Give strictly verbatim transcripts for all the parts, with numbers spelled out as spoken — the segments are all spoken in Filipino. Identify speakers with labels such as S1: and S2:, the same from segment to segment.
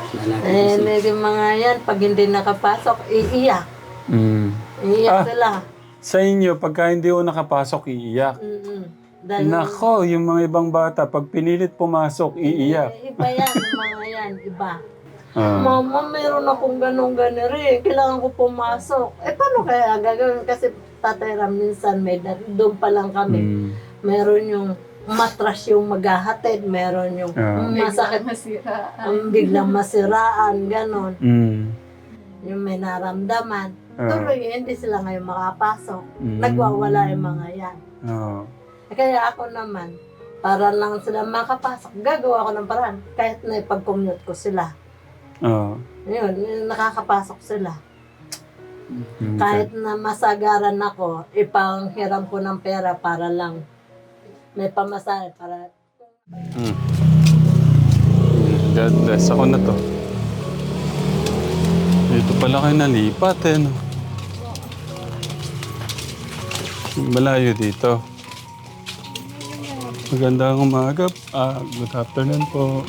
S1: Eh, hindi mga yan, pag hindi nakapasok, iiyak.
S2: Mm.
S1: Iiyak
S2: Ah.
S1: sila.
S2: Sa inyo, pagka hindi ko nakapasok, iiyak.
S1: Mm-mm. Dahil,
S2: Nako, yung mga ibang bata, pag pinilit pumasok, iiyak.
S1: eh, iba yan, mga yan, iba.
S2: Ah.
S1: Mama, meron akong ganong gano rin. Kailangan ko pumasok. Eh, paano kaya gagawin? Kasi Tatay Ram, minsan may da- doon pa lang kami.
S2: Mm.
S1: Meron yung matras yung maghahatid. Meron yung
S2: Ah.
S1: masakit. Ang biglang masiraan, ganon.
S2: Mm.
S1: Yung may naramdaman.
S2: Ah.
S1: Tuloy, hindi sila ngayon makapasok.
S2: Mm.
S1: Nagwawala yung mga yan.
S2: Ah.
S1: Eh, kaya ako naman, para lang sila makapasok, gagawa ko ng paraan. Kahit na ipag-commute ko sila.
S2: Ah.
S1: Yun, yun, nakakapasok sila.
S2: Okay.
S1: Kahit na masagaran ako, ipanghiram ko ng pera para lang may pamasahe para...
S2: Mm. God bless. Ako na to. Dito pala kayo nalipat eh, no? Malayo dito. Magandang umaga. Ah, good afternoon po.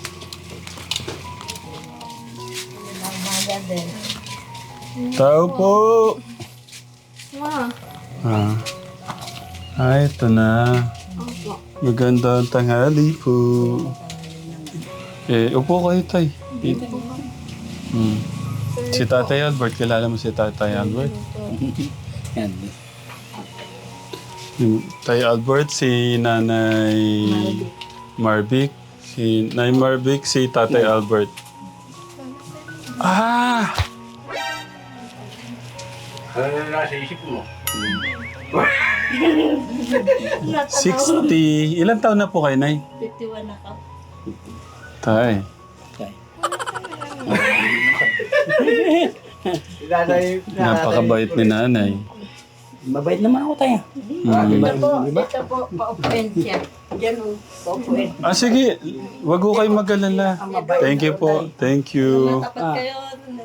S1: Umaga din.
S2: Tao po!
S1: Ah,
S2: Ah. Ah, ito na.
S1: opo.
S2: Magandang tanghali po. Eh, upo kayo, tay. Dito. Hmm. Si Tatay Albert, kilala mo si Tatay Albert?
S3: Yan.
S2: Yung Tay Albert, si Nanay Marvic. Si Nanay Marvic, si Tatay Albert. Ah!
S3: Ano na nasa isip mo?
S2: sixty. Ilan taon na po kayo, Nay?
S1: fifty-one ako.
S2: Tay. Napakabait ni Nanay.
S3: Mabait naman ako tayo.
S2: Hmm.
S1: Ito po, ito po, paupuin siya. Diyan o, paupuin.
S2: Ah, sige. Wag ko kayo mag-alala. Thank you po. Thank you.
S1: Matapat kayo.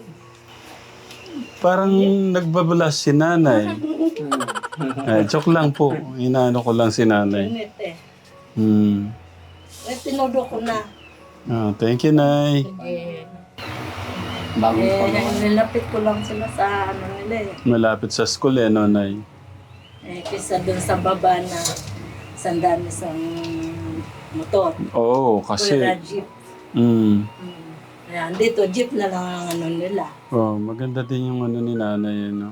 S2: Parang nagbabalas si Nanay. Eh, joke lang po. Inaano ko lang si Nanay.
S1: Init eh.
S2: Hmm.
S1: Eh, tinudo ko na.
S2: Ah, thank you, Nay.
S1: Eh,
S3: Bagong
S1: eh,
S3: pagawa.
S1: nilapit ko lang sila sa ano nila eh.
S2: Malapit sa school eh, no, Nay?
S1: Eh, kisa dun sa baba na sandaan isang motor.
S2: Oo, kasi...
S1: Wala jeep.
S2: Mm.
S1: Hmm. Ayan, dito jeep na lang ang ano nila.
S2: Oh, maganda din yung ano ni Nanay, no?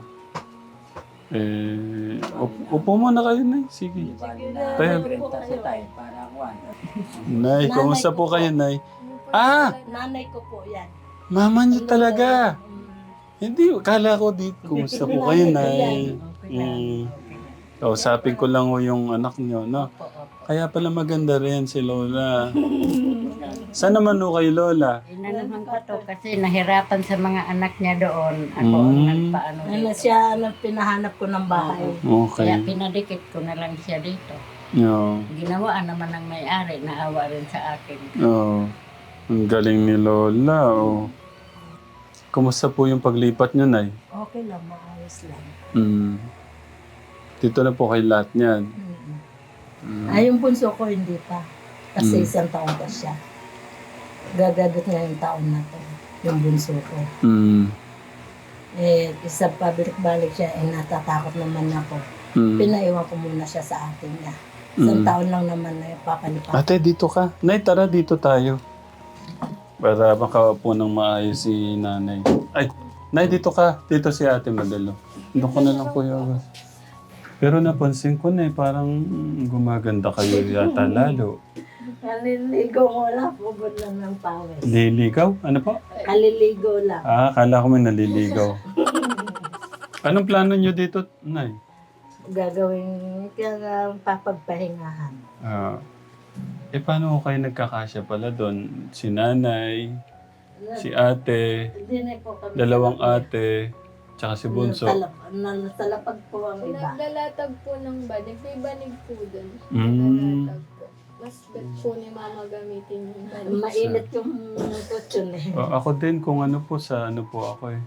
S2: Eh, up- upo muna kayo, Nay. Sige. Kaya,
S3: Kasi tayo para kuwan.
S2: Nay, kumusta po kayo, Nay? Ah!
S1: Nanay ko po yan.
S2: Mama niyo talaga!
S1: Hmm.
S2: Hindi, kala ko dito. Kumusta po kayo, Nay?
S1: Okay lang.
S2: Mm. Kausapin ko lang ho yung anak niyo, no?
S1: Opo, opo.
S2: Kaya pala maganda rin si Lola. Saan naman ho kay Lola?
S4: Inanaman ko to kasi nahirapan sa mga anak niya doon. Ako ang
S2: Mm.
S4: nagpaano
S1: Ano
S4: dito.
S1: siya, ano, pinahanap ko ng bahay.
S2: Okay.
S4: Kaya pinadikit ko na lang siya dito.
S2: No.
S4: Ginawaan naman ng may-ari, naawa rin sa akin.
S2: Oh. Ang galing ni Lola, oh. Kumusta po yung paglipat niyo, Nay?
S1: Okay lang, maayos lang.
S2: Mm. Dito na po kay lahat niyan.
S1: Mm.
S2: Mm.
S1: Ay, yung bunso ko hindi pa. Kasi
S2: Mm.
S1: isang taon pa siya. Gagadot na yung taon na to. Yung bunso ko.
S2: Mm.
S1: Eh, isa pabalik-balik siya, eh, natatakot naman ako.
S2: Mm.
S1: Pinaiwan ko muna siya sa atin niya. Isang
S2: Mm.
S1: taon lang naman na yung papalipat.
S2: Ate, dito ka. Nay, tara dito tayo. Para makaupo ng maayos si Nanay. Ay, Nay, dito ka. Dito si Ate Madalo. Doon ko na lang po yung... Pero napansin ko na eh, parang gumaganda kayo yata lalo.
S1: Kaliligo ko lang, pugod lang ng pawis.
S2: Liligaw? Ano po?
S1: Kaliligo lang.
S2: Ah, akala ko may naliligaw. Anong plano nyo dito, Nay?
S1: Gagawin, kaya papagpahingahan.
S2: Ah, eh, paano ko kayo nagkakasya pala doon? Si Nanay, si Ate,
S1: Hindi na po kami.
S2: dalawang ate, tsaka si Bunso.
S1: Natalap- na- Natalapag po ang iba.
S5: Naglalatag po ng banig. May banig po doon.
S2: Mm.
S5: Naglalatag po. Mas bet po ni mama gamitin yung banig.
S1: Mainit yung kutsyon eh.
S2: O, ako din kung ano po sa ano po ako eh.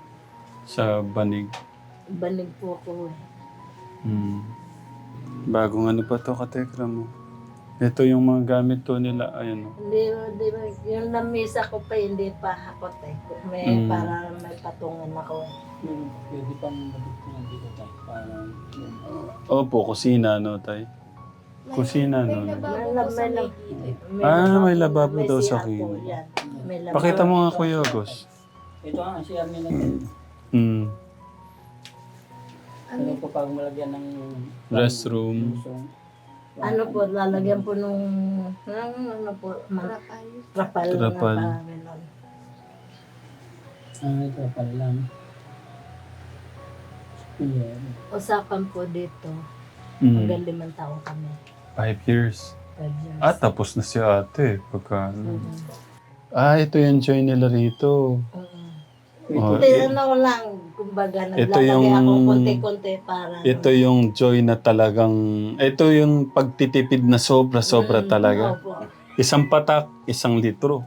S2: Sa banig.
S1: Banig po ako eh.
S2: Hmm. Bagong ano pa to, katekra mo? Ito yung mga gamit to nila. Ayun. Oh.
S1: Hindi, hindi, yung namisa ko pa, hindi pa hakot eh. May,
S2: Mm.
S1: para may patungan ako eh.
S3: Hmm, pwede pang mabigyan dito tayo. Parang yung...
S2: Opo, kusina, no, tay? Kusina, no?
S5: May lababo
S1: May
S5: po
S1: lab-
S5: sa
S1: may
S5: may
S1: lab-
S5: gilid.
S2: Ah, may lababo
S1: may
S2: daw
S1: C
S2: sa
S1: R po,
S2: kin.
S1: yan. May lababo.
S2: Pakita mo nga, Kuya August.
S3: Ito ang si Armin natin.
S2: Mm.
S5: Ano
S3: Ano po pag malagyan ng...
S2: Restroom.
S1: Ano po, lalagyan po nung, ng ano po, man,
S5: rapal?
S1: trapal.
S2: Trapal.
S1: Na pa, ganon.
S3: Ah, ito pala lang. Yeah.
S1: Usapan po dito,
S2: Mm.
S1: hanggang limang taon kami.
S2: Five years.
S1: Five years.
S2: Ah, tapos na si ate. Pagka, ano.
S1: Mhm.
S2: Ah, ito yung joy nila rito.
S1: Mhm.
S2: Oh,
S1: Hindi,
S2: i-
S1: ano lang, kumbaga,
S2: Ito
S1: naglalagay
S2: yung-
S1: ako konti-konti para...
S2: ito yung joy na talagang... Ito yung pagtitipid na sobra-sobra
S1: Mm,
S2: talaga.
S1: opo.
S2: Isang patak, isang litro.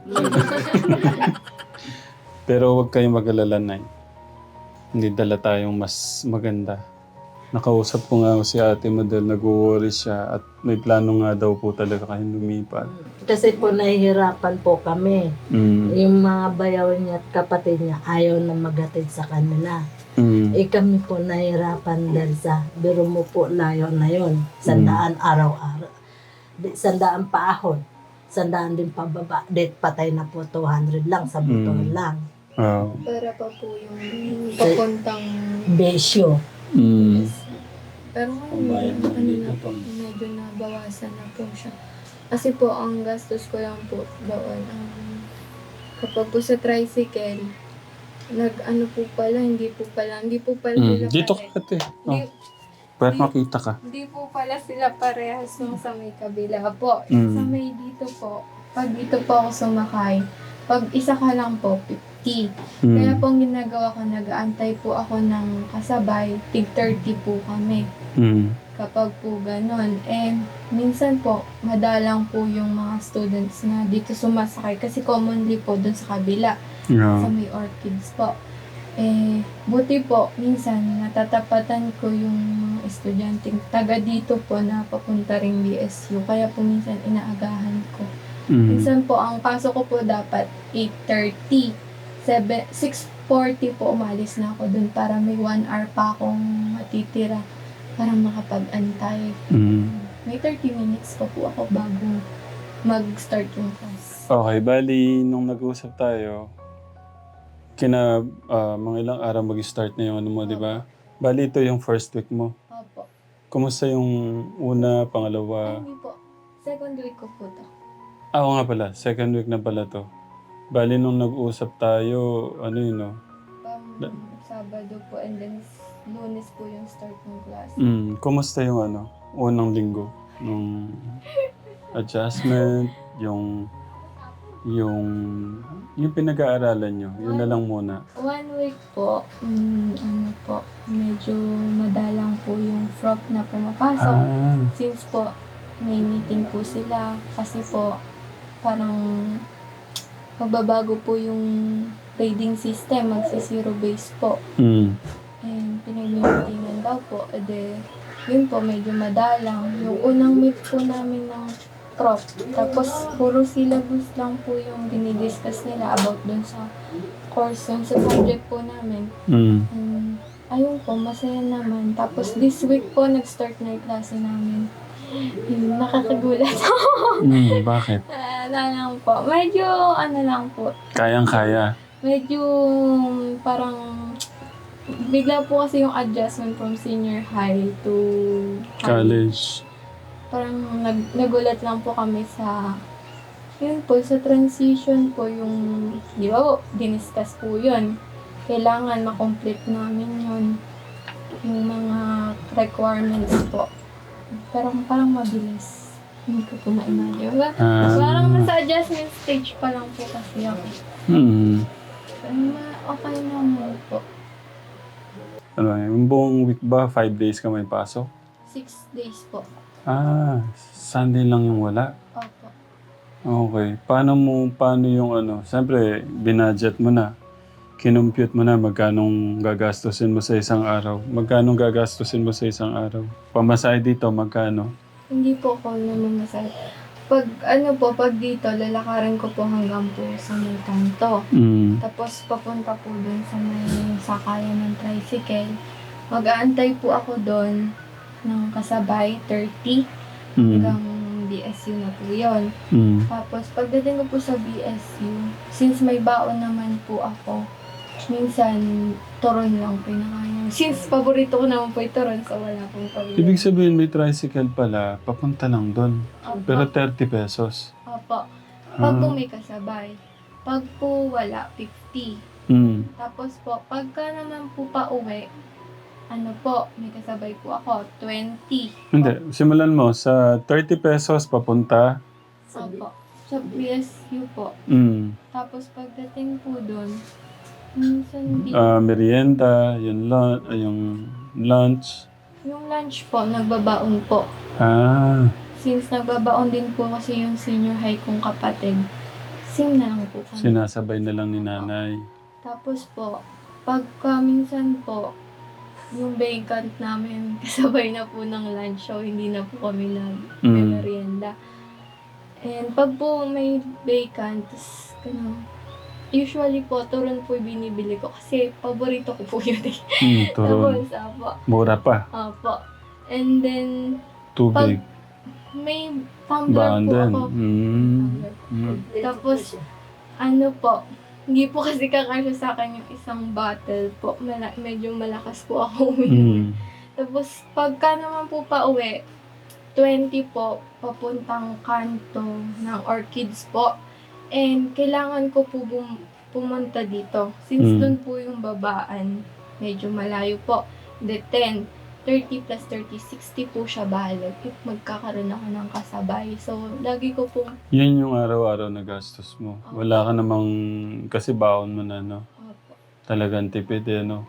S2: Pero huwag kayong mag-alala, Nay. Hindi dala tayong mas maganda. Nakausap ko nga si ate mo dahil nag-worry siya at may plano nga daw po talaga kayong lumipat.
S1: Kasi po nahihirapan po kami.
S2: Mm.
S1: Yung mga bayaw niya at kapatid niya ayaw na maghatid sa kanila.
S2: Mm.
S1: Eh kami po nahihirapan dahil sa biro mo po layo na yon. Sandaan araw-araw. Di- Sandaan paahon. Sandaan din pababa. Di patay na po two hundred lang sa motor
S2: Mm.
S1: lang.
S2: Ah.
S5: Para pa po yung papuntang...
S1: Besyo.
S2: Mm.
S5: Pero
S3: Kung bayad
S5: ngayon,
S3: mo
S5: ano
S3: dito
S5: na,
S3: to.
S5: medyo nabawasan na po siya. Kasi po, ang gastos ko lang po doon, um, kapag po sa tricycle, nag ano po pala, hindi po pala, hindi po pala
S2: Mm.
S5: sila
S2: Dito
S5: pare-
S2: ka ate.
S5: Hindi,
S2: Oh. Para makita ka.
S5: hindi po pala sila parehas nung sa may kabila po.
S2: Mm.
S5: Sa may dito po, pag dito po ako sumakay, pag isa ka lang po, fifty. Kaya
S2: Mm.
S5: po ang ginagawa ko, nag-aantay po ako ng kasabay, tig thirty po kami.
S2: Mm.
S5: Kapag po ganon. Eh, minsan po, madalang po yung mga students na dito sumasakay kasi commonly po dun sa kabila, sa
S2: Yeah.
S5: may orchids po. Eh, buti po, minsan natatapatan ko yung mga estudyanteng taga dito po na papunta ring B S U. Kaya po minsan inaagahan ko.
S2: Mm.
S5: Minsan po, ang pasok ko po dapat eight thirty. six forty po umalis na ako dun para may one hour pa akong matitira para makapag-antay.
S2: Mm.
S5: May thirty minutes pa po ako bago mag-start yung class.
S2: Okay, bali, nung nag-usap tayo, kina ah, mga ilang araw mag-start na yung ano mo, di ba? Bali, ito yung first week mo.
S5: Opo.
S2: Kumusta yung una,
S5: Ay,
S2: pangalawa?
S5: hindi po. Second week ko po to.
S2: Ah, oo nga pala. Second week na pala to. Bali, nung nag-usap tayo, ano yun, no?
S5: Um, Sabado po and then Lunes po yung start ng class.
S2: Mm, kumusta yung ano, unang linggo? Nung adjustment, yung yung yung pinag-aaralan nyo, yun na lang muna.
S5: One week po, mm, ano po, medyo madalang po yung frog na pumapasok.
S2: Ah,
S5: Since po, may meeting po sila kasi po, parang magbabago po yung grading system, magsi-zero base po.
S2: mm,
S5: And pinag-meetingan daw po, ede, yun po, medyo madalang. Yung unang meet po namin ng prof, tapos puro syllabus lang po yung dinidiscuss nila about dun sa course, dun sa subject po namin.
S2: mm.
S5: And, ayun po, masaya naman. Tapos this week po, nag-start na yung klase namin. Yun, nakakagulat.
S2: Mm, bakit?
S5: ano lang po, medyo ano lang po,
S2: Kayang-kaya.
S5: medyo parang bigla po kasi yung adjustment from senior high to high.
S2: College.
S5: Parang nag, nagulat lang po kami sa yun po, sa transition po yung, di ba po, diniscuss po yun. Kailangan makomplete namin yun. Yung mga requirements po. Pero parang mabilis. Hindi ko po ma-imagine. Ba-
S2: Ah.
S5: Parang nasa adjustment stage pa lang po kasi ako.
S2: Mm.
S5: Pero ma- okay naman po.
S2: Ano, yung buong week ba, five days ka may pasok?
S5: Six days po.
S2: Ah, Sunday lang yung wala.
S5: Opo.
S2: Okay. Paano mo, paano yung ano, siyempre, binudget mo na. Kinumpute mo na magkanong gagastusin mo sa isang araw. Magkanong gagastusin mo sa isang araw. Pamasahe dito, magkano?
S5: Hindi po ako naman masaya. pag ano po, pag dito, lalakarin ko po hanggang po sa may kanto.
S2: Mm.
S5: Tapos papunta po dun sa may sakayan ng tricycle. Mag-aantay po ako doon ng kasabay, thirty,
S2: Mm.
S5: hanggang B S U na po yun.
S2: Mm.
S5: Tapos pagdating ko po sa B S U, since may baon naman po ako, minsan turon lang po yung nakain. Since paborito ko naman po yung turon, so wala pong pabili.
S2: Ibig sabihin may tricycle pala, papunta lang doon.
S5: Opo.
S2: Pero thirty pesos.
S5: Opo. Pag
S2: Ah.
S5: po may kasabay. Pag po wala, fifty.
S2: Mm.
S5: Tapos po, pagka naman po pa uwi, ano po, may kasabay po ako, twenty.
S2: Hindi, simulan mo sa thirty pesos papunta.
S5: Opo. Sa B S U po.
S2: Mm.
S5: Tapos pagdating po doon, minsan di.
S2: Ah, merienda, yung, lun- ah, yung lunch.
S5: Yung lunch po, nagbabaon po.
S2: Ah,
S5: Since nagbabaon din po kasi yung senior high kong kapatid, same na lang po kami.
S2: sinasabay na lang ni nanay.
S5: Tapos po, pagka minsan po, yung vacant namin, kasabay na po ng lunch, so hindi na po kami nag-merienda. And pag po may vacant, tas, ano, usually po, turon po yung binibili ko kasi paborito ko po yun eh.
S2: Mm, turon.
S5: Tapos, apo,
S2: Mura pa.
S5: apo. And then,
S2: Tubig.
S5: may tumbler
S2: Baan
S5: po
S2: din.
S5: ako.
S2: Mm. Mm.
S5: Tapos, ano po, hindi po kasi kakasya sa akin yung isang bottle po. Mala- medyo malakas po ako uminom.
S2: Mm.
S5: Tapos, pagka naman po pa uwi, twenty po, papuntang kanto ng Orchids po. And kailangan ko po bum- pumunta dito. Since
S2: Mm.
S5: doon po yung babaan, medyo malayo po. The ten, thirty plus thirty, sixty po siya balik. If magkakaroon ako ng kasabay. So, lagi ko po,
S2: Yan yung araw-araw na gastos mo. Wala ka namang, kasi baon mo na, no?
S5: opo.
S2: Talagang tipid, eh, no?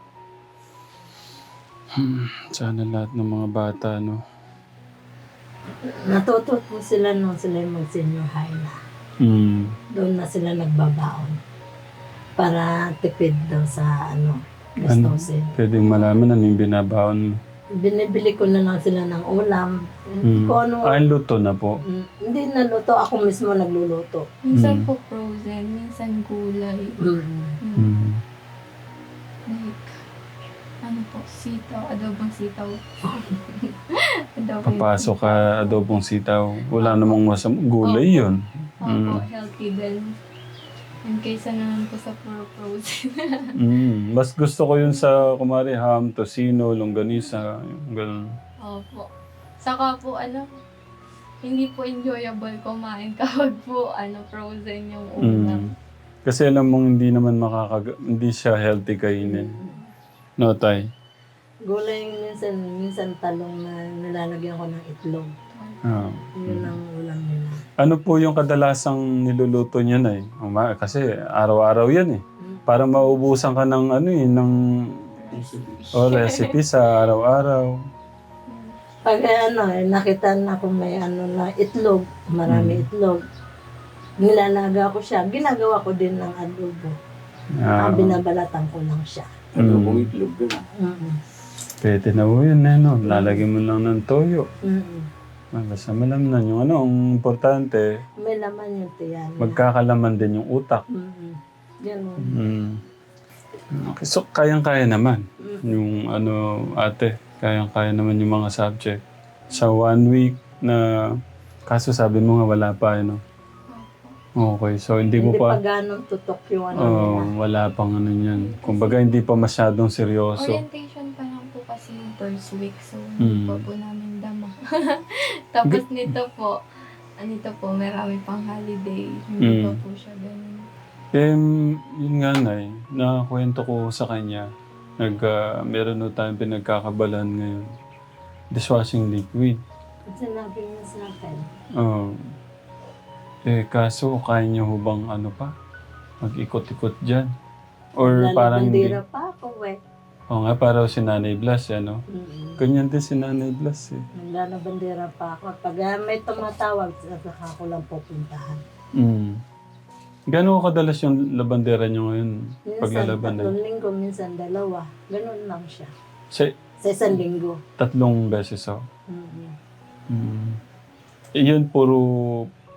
S2: Hmm, sana lahat ng mga bata, no?
S1: Natuto po sila nung sila yung mag-senior high na.
S2: Hmm.
S1: Doon na sila nagbabaon. Para tipid daw sa ano,
S2: Ano?
S1: gastusin.
S2: Pwedeng malaman ano yung binabaon mo.
S1: Binibili ko na lang sila ng ulam.
S2: Hmm.
S1: Kung ano,
S2: Ah, luto na po.
S1: mm, hindi naluto. Ako mismo nagluluto.
S5: Minsan
S2: Mm.
S5: po frozen, minsan gulay.
S1: Mm.
S5: Mm.
S2: Hmm.
S5: Like, ano po, sitaw, adobong sitaw. adobong
S2: Papasok ka, adobong sitaw. Wala namang masam gulay yun.
S5: Opo,
S2: Mm.
S5: healthy din. And kaysa naman po sa puro frozen.
S2: Mm. Mas gusto ko yun sa, kumari, ham, tocino, longganisa, yung ganun.
S5: Opo. Saka po, ano, hindi po enjoyable kumain kapag po, ano, frozen yung ulam.
S2: Mm. Kasi alam mong hindi naman makakag... Hindi siya healthy kainin. No, Tay?
S1: Gulay yung minsan, minsan talong na nilalagyan ko ng itlog.
S2: Ah.
S1: Yun ang ulam nila.
S2: Ano po yung kadalasang niluluto niya na eh? Uma- Kasi araw-araw yan eh. Para maubusan ka ng ano eh, ng o recipe sa araw-araw.
S1: Pag eh, ano, eh, nakita na kung may ano na itlog, marami
S2: Mm.
S1: itlog, nilalaga ko siya. Ginagawa ko din ng adobo.
S2: Ah,
S1: Ang binabalatan ko lang siya.
S2: mm.
S3: itlog doon.
S1: Mm-mm.
S2: Pwede na po yun eh, no? Lalagyan mo lang ng toyo.
S1: Mm-mm.
S2: Ah, basta malamnan yung ano, ang importante,
S1: May laman yung tiyan.
S2: magkakalaman din yung utak.
S1: Mm-mm. Ganun.
S2: Mm. Okay, so kayang-kaya naman.
S1: Mm.
S2: Yung ano, ate, kayang-kaya naman yung mga subject. Sa one week na, kaso sabi mo nga wala pa, ano? Okay, so hindi mo
S1: Hindi pa
S2: pa,
S1: ganun tutok yung ano
S2: oh,
S1: nila.
S2: wala pang ano yan. Kumbaga hindi pa masyadong seryoso.
S5: Orientation pa lang po kasi yung first week, so
S2: Mm.
S5: hindi pa po namin dama. Tapos nito po, anito po, marami pang holiday. Hindi
S2: Mm.
S5: pa po siya ganun.
S2: Eh, yun nga Nay, nakakwento ko sa kanya, nag, ah, meron na tayong pinagkakabalan ngayon. Dishwashing liquid.
S1: At sinabi niya sa akin,
S2: Oh. Eh, kaso kaya niyo hubang ano pa? Mag-ikot-ikot dyan? Or parang hindi?
S1: lalabandira pa ako eh.
S2: Oo nga, parang si Nanay Blas, ano?
S1: Mm-mm.
S2: Ganyan din si Nanay Blas, eh.
S1: Naglalabandira pa ako. Pag ah, may tumatawag, saka ko lang pupuntahan.
S2: Mm. Gano'n kadalas yung labandera niyo ngayon?
S1: Minsan,
S2: Paglalaban
S1: tatlong linggo, minsan dalawa. Ganun lang siya.
S2: Sa
S1: Sa isang linggo.
S2: tatlong beses, oh.
S1: Mm-mm.
S2: Mm. Eh, yun, puro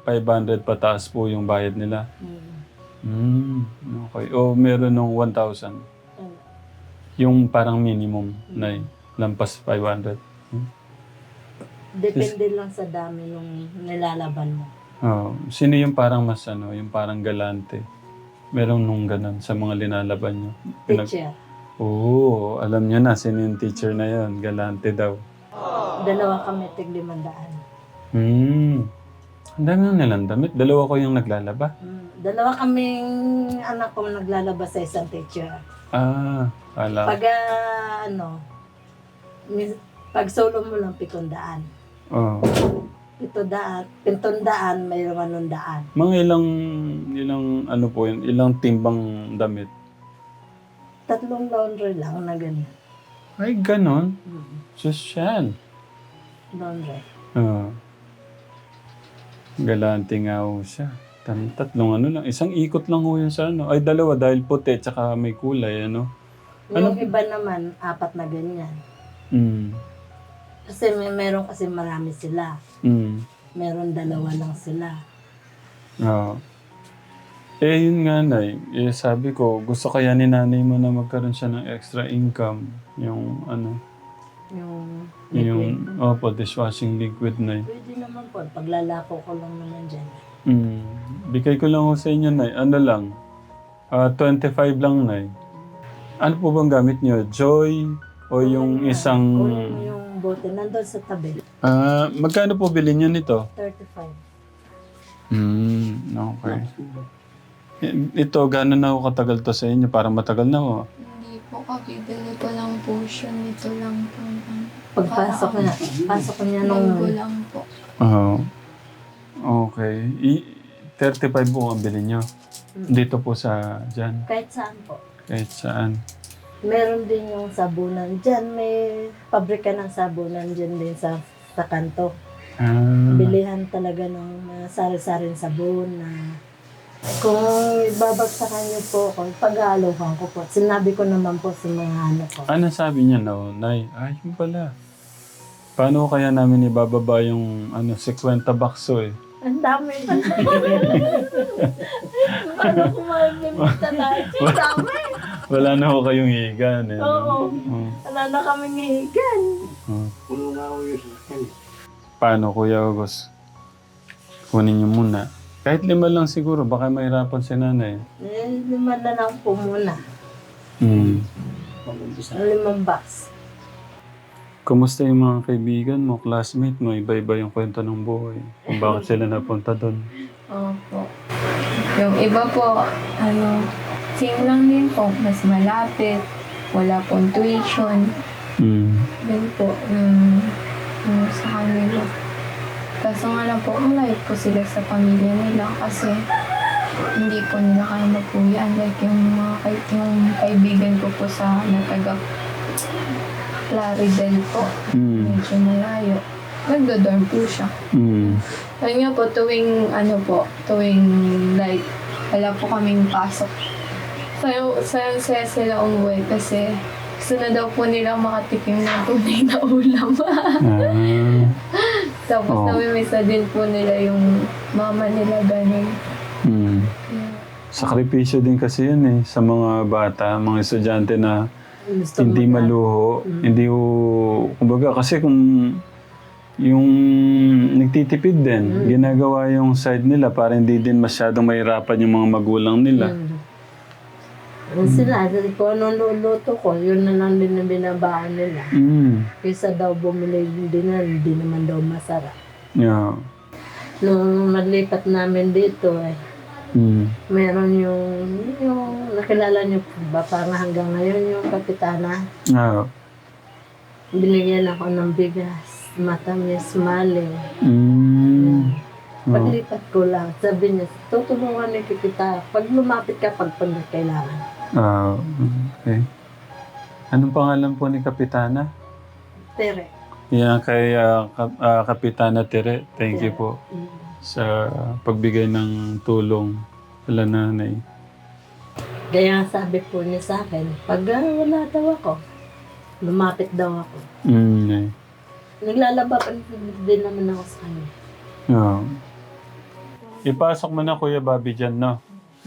S2: five hundred pataas po yung bayad nila.
S1: Mm.
S2: Hmm, okay. O meron ng one thousand.
S1: Ano?
S2: Yung parang minimum na lampas five hundred. Hmm?
S1: Depende lang sa dami nung nilalaban mo.
S2: Oh, sino yung parang mas ano, yung parang galante? Meron nung ganun sa mga linalaban nyo. Pinag-
S1: Teacher,
S2: Oo, alam niyo na sino yung teacher na yon, galante daw.
S1: dalawa kami tiglimandaan.
S2: Hmm. Ang dami nang nilang damit. Dalawa ko yung naglalaba.
S1: Mm. Dalawa kaming anak ko naglalabas sa isang teacher.
S2: Ah, ala.
S1: Pag ah, ano, mis- pag solo mo lang pitundaan.
S2: Oh.
S1: Pitundaan, pitundaan, mayroong anong daan.
S2: Mga ilang, ilang ano po yun, ilang timbang damit.
S1: Tatlong laundry lang na ganyan.
S2: Ay, ganon.
S1: Mm.
S2: Social.
S1: Laundry.
S2: Oo. Galante nga ho siya. Tam- Tatlong ano lang. Isang ikot lang ho yun sa ano. Ay, dalawa dahil puti tsaka may kulay, ano.
S1: Yung
S2: Ano?
S1: iba naman, apat na ganyan.
S2: Mm.
S1: Kasi may meron kasi marami sila.
S2: Mm.
S1: Meron dalawa lang sila.
S2: Oo. Eh, yun nga, Nay. Eh, sabi ko, gusto kaya ni nanay mo na magkaroon siya ng extra income. Yung, ano,
S1: Yung
S2: yung,
S1: liquid.
S2: opo, dishwashing liquid, Nay.
S1: Pwede naman po. Paglalako ko lang naman dyan.
S2: Mm. Bigay ko lang ho sa inyo, Nay. Ano lang? Ah, twenty-five lang, Nay. Ano po bang gamit niyo? Joy? O yung isang...
S1: Kunin mo yung bote. Nandun sa tabi.
S2: Ah, magkano po bilhin niyo nito?
S1: thirty-five.
S2: Hmm, okay. I- Ito, gano'n na ako katagal to sa inyo? Parang matagal na ho.
S5: Hindi po, kabibili ko lang po siya. Ito lang po.
S1: Pagpasok na. Pasok niya nung...
S5: Linggo lang po.
S2: Oo. Okay. I- thirty-five po ang bilhin niyo. Dito po sa dyan.
S1: Kahit saan po.
S2: Kahit saan.
S1: Meron din yung sabunan. Diyan may pabrika ng sabunan dyan din sa, sa kanto.
S2: Ah.
S1: Bilihan talaga ng mga sari-saring sabon na kung babagsakan niyo po ako, pag-aalokan ko po. Sinabi ko naman po sa mga ano ko.
S2: Ano sabi niya na, Nay? Ay, yun pala. Paano kaya namin ibababa yung ano, fifty bakso eh?
S1: Ang dami. Paano kung malimita tayo? Ang dami.
S2: Wala na ho kayong higan eh. no?
S1: Oo.
S2: Oo.
S1: Wala na kaming higan.
S2: Oo.
S3: Puno nga ako yung sasakyan.
S2: Paano, Kuya August? Kunin niyo muna. Kahit lima lang siguro, baka mahirapan si nanay.
S1: Eh, lima na lang po muna.
S2: Hmm.
S3: Pag-umpisa.
S1: Ang limang box.
S2: Kumusta yung mga kaibigan mo, classmate mo? Iba-iba yung kwento ng buhay. Kung bakit sila napunta doon.
S5: Opo. Yung iba po, ano, same lang din po. Mas malapit. Wala pong tuition.
S2: Hmm.
S5: Yan po, yung, yung sa kanila. Kaso nga lang po, malayo po sila sa pamilya nila kasi hindi po nila kaya magpuyan. Like yung mga kay- yung kaibigan ko po sa nataga Plaridel po.
S2: Hmm.
S5: Medyo malayo. Nagdo-dorm po siya.
S2: Hmm.
S5: Ayun nga po, tuwing ano po, tuwing like, wala po kaming pasok. Sayo, sayo, sayo sila umuwi kasi gusto na daw po nila makatikim ng tunay na ulam.
S2: Ah.
S5: Tapos
S2: Oh.
S5: namimisa din po nila yung mama nila ganun.
S2: Hmm.
S5: Yeah.
S2: Sakripisyo din kasi yun eh, sa mga bata, mga estudyante na
S1: Gusto
S2: hindi
S1: mo na-
S2: maluho,
S1: Mm.
S2: hindi ho, kumbaga kasi kung yung nagtitipid din,
S1: Mm.
S2: ginagawa yung side nila para hindi din masyadong mahirapan yung mga magulang nila.
S1: Mm. Yung sila, kung anong luluto ko, yun na lang din ang binabaan nila.
S2: Mm.
S1: Kaysa daw bumili din na, hindi naman daw masarap.
S2: Yeah.
S1: Nung naglipat namin dito, eh,
S2: Mm.
S1: meron yung, yung nakilala niyo po ba, parang hanggang ngayon yung kapitana,
S2: Yeah.
S1: binigyan ako ng bigas, matamis, mali.
S2: Mm. Oh.
S1: Paglipat ko lang, sabi niya, tutulungan ni kita. Pag lumapit ka, pag pag kailangan.
S2: Ah, okay. Anong pangalan po ni Kapitana?
S1: Tere.
S2: Yan kay ah, Kap- ah, Kapitana Tere. Thank you po
S1: Mm.
S2: sa pagbigay ng tulong sa nanay.
S1: Kaya sabi po niya sa akin, pag ah, wala daw ako, lumapit daw ako.
S2: Mm. eh.
S1: Naglalaba pa din naman ako sa kanya.
S2: Yeah. Ipasok mo na Kuya Bobby dyan, no?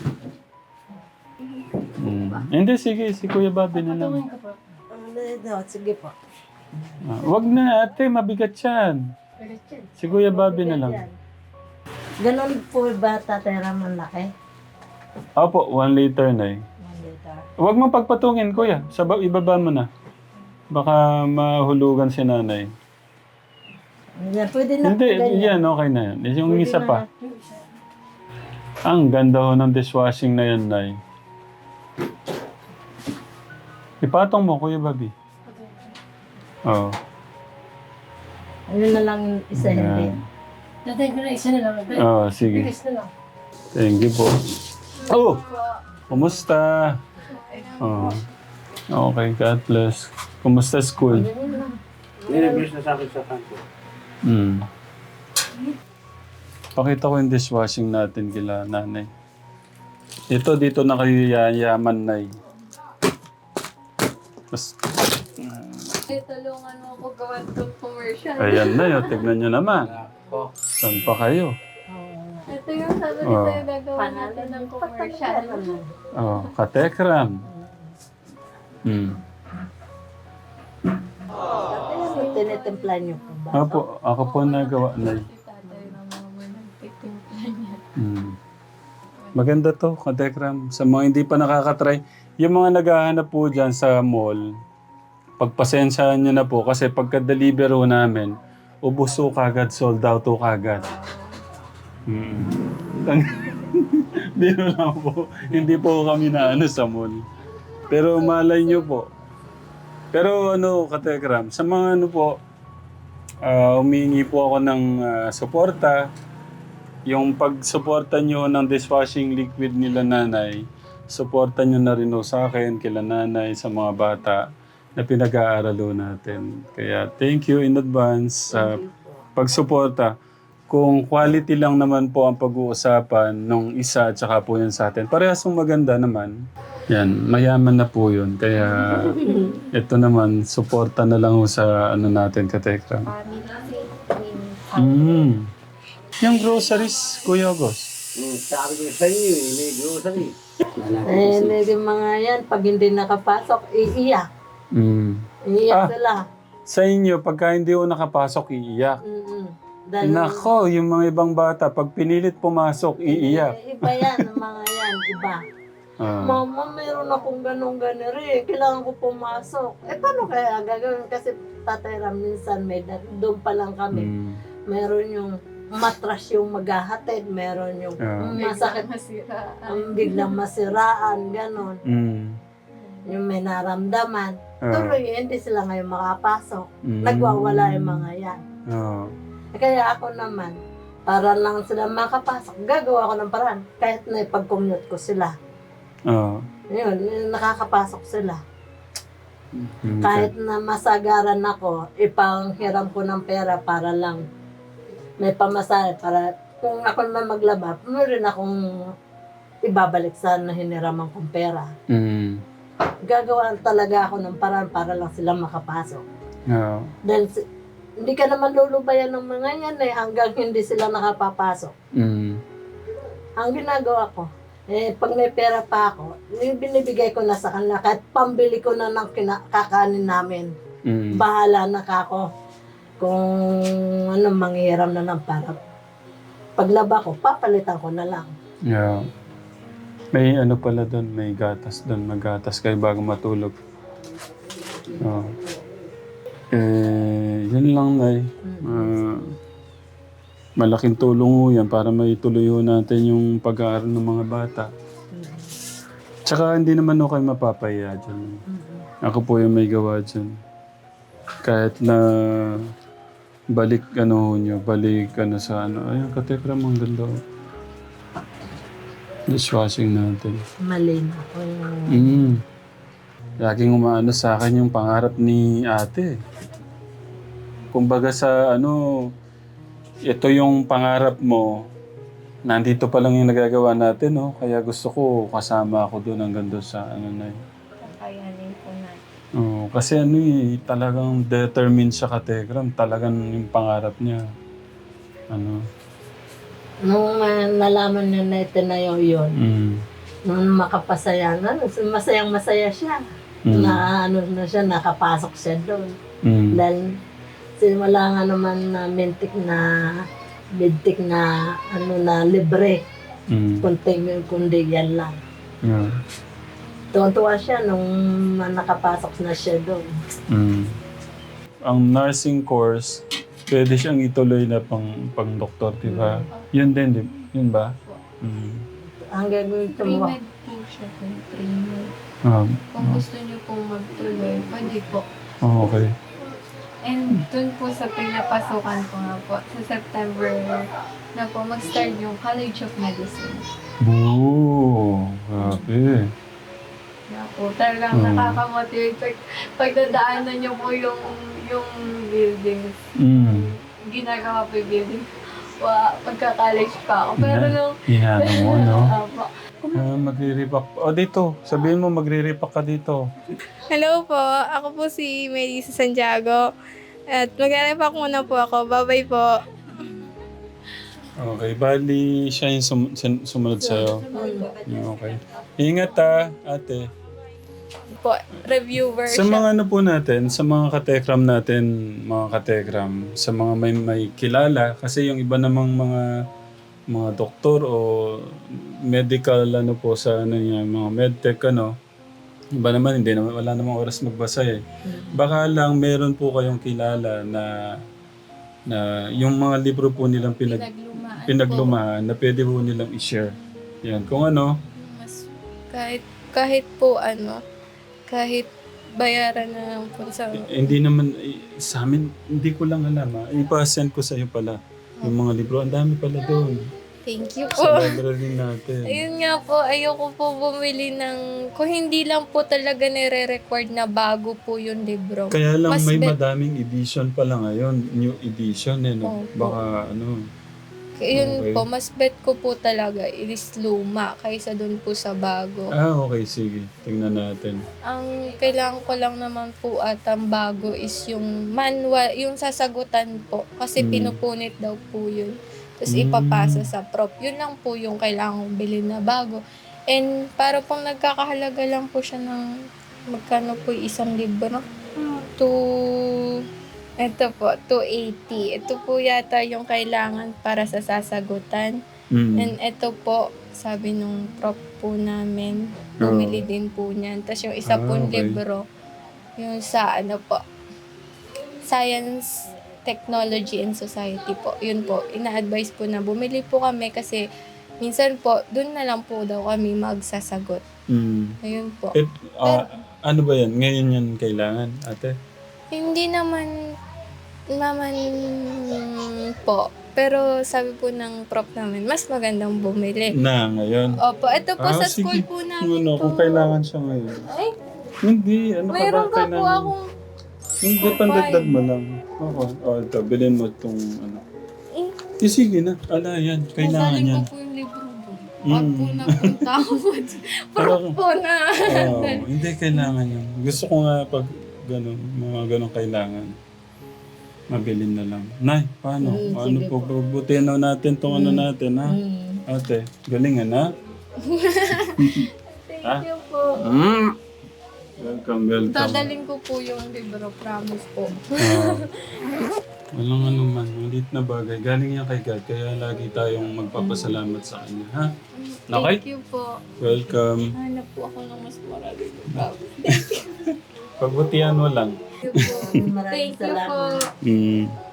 S2: Hmm. Hindi, sige. Si Kuya Bobby na lang.
S1: Ano, sige po.
S2: Ah, wag na ate, mabigat yan. Si Kuya Bobby na lang.
S1: Ganon po ba Tatay Ram ang laki?
S2: Opo, one liter na eh.
S1: One liter.
S2: Huwag mo pagpatungin, kuya. Saba, ibaba mo na. Baka mahulugan si nanay.
S1: Yan, pwede na
S2: Hindi,
S1: po ganyan.
S2: yan, okay na yan. Yung
S1: Pwede
S2: isa
S1: na.
S2: pa. Ang ganda ho ng dishwashing na yan, nay. Ipatong mo, Kuya Bobby. Oo.
S1: Ayun na lang yung isa hindi.
S2: Yan.
S6: Tatay ko na isa na lang. Tatay,
S2: Oo, sige.
S6: bilis na lang.
S2: Thank you po. Oh! Kumusta? Oh. Okay, God bless. Kumusta school?
S3: Nireverse na sa akin sa kanto.
S2: Hmm. Pakita ko yung dishwashing natin kila nanay. Ito, dito na kayo yayaman, nay. Mas,
S5: Eh, tulungan mo ako gawa itong commercial.
S2: ayan na yun, tignan nyo naman.
S3: Ako.
S2: Saan pa kayo?
S5: Ito yung sabi
S2: Oh.
S5: nito yung gagawa natin ng commercial.
S2: Oh, katekram. Hmm.
S1: Tatay, tinitimpla niyo po ba?
S2: Apo, ako po nagawa, nay.
S5: Si tatay ng mama nagtitimpla niya.
S2: Hmm. Maganda to, katekram. Sa mga hindi pa nakakatry, yung mga naghahanap po dyan sa mall, pagpasensyahan nyo na po kasi pagka-deliver ho namin, ubos ho kagad, sold out ho kagad. Hmm. Biro lang po. Hindi po kami na ano sa mall. Pero malay nyo po. Pero ano, katekram, sa mga ano po, ah, humingi po ako ng ah, suporta. Yung pag-suporta nyo ng dishwashing liquid nila nanay, suporta nyo na rin ho sa akin, kila nanay, sa mga bata na pinag-aaralo natin. Kaya thank you in advance sa pagsuporta. Kung quality lang naman po ang pag-uusapan nung isa at saka po yun sa atin, parehas yung maganda naman. Yan, mayaman na po yun. Kaya ito naman, suporta na lang ho sa ano natin, katekram. Mm. Yung groceries, Kuya August.
S3: Hmm, sabi ko sa inyo eh, may grocery.
S1: Eh, hindi mga yan, pag hindi nakapasok, iiyak.
S2: Mm.
S1: Iiyak
S2: Ah.
S1: sila.
S2: Sa inyo, pagka hindi ho nakapasok, iiyak.
S1: Mm-mm. Dahil
S2: Nako, yung mga ibang bata, pag pinilit pumasok, iiyak.
S1: Eh, iba yan, ang mga yan, iba.
S2: Ah.
S1: Mama, meron akong ganong ganiri. Kailangan ko pumasok. Eh, paano kaya gagawin? Kasi Tatay Ram, minsan may dat- doon pa lang kami.
S2: Mm.
S1: Meron yung matras yung maghahatid. Meron yung
S2: Ah.
S1: masakit,
S5: Masira.
S1: ang biglang masiraan, ganon.
S2: Mm.
S1: Yung may naramdaman.
S2: Ah.
S1: Tuloy, hindi sila ngayon makapasok.
S2: Mm.
S1: Nagwawala yung mga yan.
S2: Ah.
S1: Eh, Kaya ako naman, para lang sila makapasok, gagawa ko ng paraan. Kahit na ipag-commute ko sila.
S2: Ah.
S1: Yun, yun, nakakapasok sila.
S2: Mm.
S1: Kahit na masagaran ako, ipanghiram ko ng pera para lang may pamasahe. Para kung ako naman maglaba, meron akong ibabalik sa na hiniraman kong pera.
S2: Mm.
S1: Gagawa talaga ako ng paraan para lang sila makapasok.
S2: Ah.
S1: Dahil si- hindi ka naman lulubayan ng mga yan eh, hanggang hindi sila nakapapasok.
S2: Mm.
S1: Ang ginagawa ko, eh, pag may pera pa ako, eh, binibigay ko na sa kanila, kahit pambili ko na ng kina- kakanin namin.
S2: Mm.
S1: Bahala na ka ako kung ano, manghiram na ng para. Paglaba ko, papalitan ko na lang.
S2: Yeah. May ano pala doon, may gatas doon, magatas kayo bago matulog. Oh. Eh, yun lang, Nay. Ah, malaking tulong ho yan para maituloy ho natin yung pag-aaral ng mga bata. Tsaka hindi naman ho kayo mapapahiya dyan. Ako po yung may gawa dyan. Kahit na balik ano ho nyo, balik ano sa ano. Ayun, katekram, ang ganda ho. Dishwashing natin.
S1: Malin ako yung...
S2: Mm. Laging umaano sa akin yung pangarap ni ate. Kumbaga sa ano, ito yung pangarap mo, nandito pa lang yung nagagawa natin, no? Kaya gusto ko kasama ako doon hanggang doon sa ano na yun.
S5: Kakayanin po natin.
S2: Oo, kasi ano eh, talagang determined siya katekram. Talagang yung pangarap niya. Ano.
S1: Nung uh, nalaman niya na itinayo yun,
S2: Mm.
S1: nung makapasaya na, masayang masaya siya.
S2: Mm.
S1: Na ano na siya, nakapasok siya doon.
S2: Mm.
S1: Dahil simula nga naman na mintik na, mintik na, ano na, libre.
S2: Mm.
S1: Kunting, kundi yan lang.
S2: Yeah.
S1: Tuwan-tuwa siya nung nakapasok na siya doon.
S2: Mm. Ang nursing course, pwede siyang ituloy na pang pang doktor, di ba? Yun din, di, yun ba? Mm.
S1: Ang gagawin ko mo,
S5: Pre-med po siya po. Pre-med.
S2: Um,
S5: Kung gusto niyo pong magtuloy, pwede po.
S2: oh, okay.
S5: And dun po sa pinapasukan ko nga po, sa September na po mag-start yung College of Medicine.
S2: Boo! Grabe.
S5: Na po, talagang
S2: Hmm.
S5: nakaka-motivate. Pag, pagdadaanan niyo po yung, yung buildings,
S2: Mm.
S5: ginagawa po yung building. Wa, pagka-college pa ako. Pero
S2: Ina-
S5: nung,
S2: Inano mo, no?
S5: Apo.
S2: Ah, magre-repack. O, dito. Sabihin mo, magre-repack ka dito.
S7: Hello po, ako po si Melissa Santiago. At mag-repack muna po ako. Bye-bye po.
S2: Okay, bali siya yung sum- sun- sumunod sa'yo. Okay. Ingat ha, ate.
S7: Po, reviewer
S2: Sa
S7: siya.
S2: mga ano po natin, sa mga katekram natin, mga katekram, sa mga may, may kilala, kasi yung iba namang mga mga doktor o medical ano po sa ano niya, mga medtech ano, iba naman hindi naman wala namang oras magbasa eh. Baka lang meron po kayong kilala na na yung mga libro po nilang pinag
S5: Pinaglumaan
S2: pinaglumaan na pwede po nilang i-share. Yan, kung ano,
S7: Mas, kahit, kahit po ano, kahit bayaran na lang po sa...
S2: Eh, hindi naman, eh, sa amin, hindi ko lang alam ha. Ipa-send ko sa'yo pala. Yung mga libro, ang dami pala doon.
S7: Thank you
S2: Sa
S7: po.
S2: library natin.
S7: Ayun nga po, ayoko po bumili ng... Kung hindi lang po talaga nire-record na bago po yung libro.
S2: Kaya lang
S7: Mas
S2: may
S7: bet-
S2: madaming edition pala ngayon. New edition eh, no?
S7: Opo.
S2: Baka ano.
S7: Yun
S2: Okay.
S7: po, mas bet ko po talaga is luma kaysa dun po sa bago.
S2: Ah, okay, sige. Tingnan natin.
S7: Ang kailangan ko lang naman po at ang bago is yung manual, yung sasagutan po. Kasi
S2: Mm.
S7: pinupunit daw po yun. Tapos
S2: Mm.
S7: ipapasa sa prop. Yun lang po yung kailangan kong bilhin na bago. And para pong nagkakahalaga lang po siya ng magkano po yung isang libro. To... Ito po, two eighty. Ito po yata yung kailangan para sa sasagutan.
S2: Mm.
S7: And ito po, sabi nung prop po namin, bumili din po niyan. Tapos yung isa
S2: Ah,
S7: pong
S2: okay.
S7: libro, yung sa ano po, Science, Technology and Society po. Yun po, ina-advise po na bumili po kami kasi minsan po, dun na lang po daw kami magsasagot.
S2: Mm.
S7: Ayun po.
S2: Eh, ah, ano ba yan? Ngayon yan kailangan, ate?
S7: Hindi naman naman po. Pero sabi po ng prop namin, mas magandang bumili.
S2: Na, ngayon.
S7: Opo, ito po
S2: Ah,
S7: sa
S2: sige.
S7: school po namin
S2: Ano,
S7: po.
S2: kung kailangan siya ngayon.
S7: Ay,
S2: Hindi, ano ka ba
S7: mayroon ka po
S2: kailangan?
S7: akong...
S2: Hindi, pandagdag mo lang. Ako, oh, ito, bilhin mo itong ano.
S7: Eh,
S2: Eh, sige na. Ala, yan. Kailangan
S7: nasaling
S2: yan.
S7: ko po yung libro po.
S2: Mm.
S7: Pag po napunta ako po, prop po na.
S2: Oo, hindi kailangan yan. Gusto ko nga pag gano'n, mga gano'ng kailangan. Mabilin na lang. Nay, paano?
S1: Mm,
S2: ano
S1: sige
S2: po,
S1: po.
S2: butihan na natin itong ano natin, ha?
S1: mm,
S2: Ate, galingan, ha?
S7: Thank you po.
S2: Mm. Welcome, welcome.
S7: Dadalhin ko po yung libro, promise po.
S2: Ah, walang ano man, maliit na bagay. Galing yan kay God, kaya lagi tayong magpapasalamat sa Kanya, ha? Okay?
S7: Thank you po.
S2: Welcome.
S7: Hanap po ako ng mas marami. Promise.
S2: Pagbutihan mo lang.
S7: Thank you po.
S1: maraming
S7: Thank you po.
S1: salamat.
S2: Mm.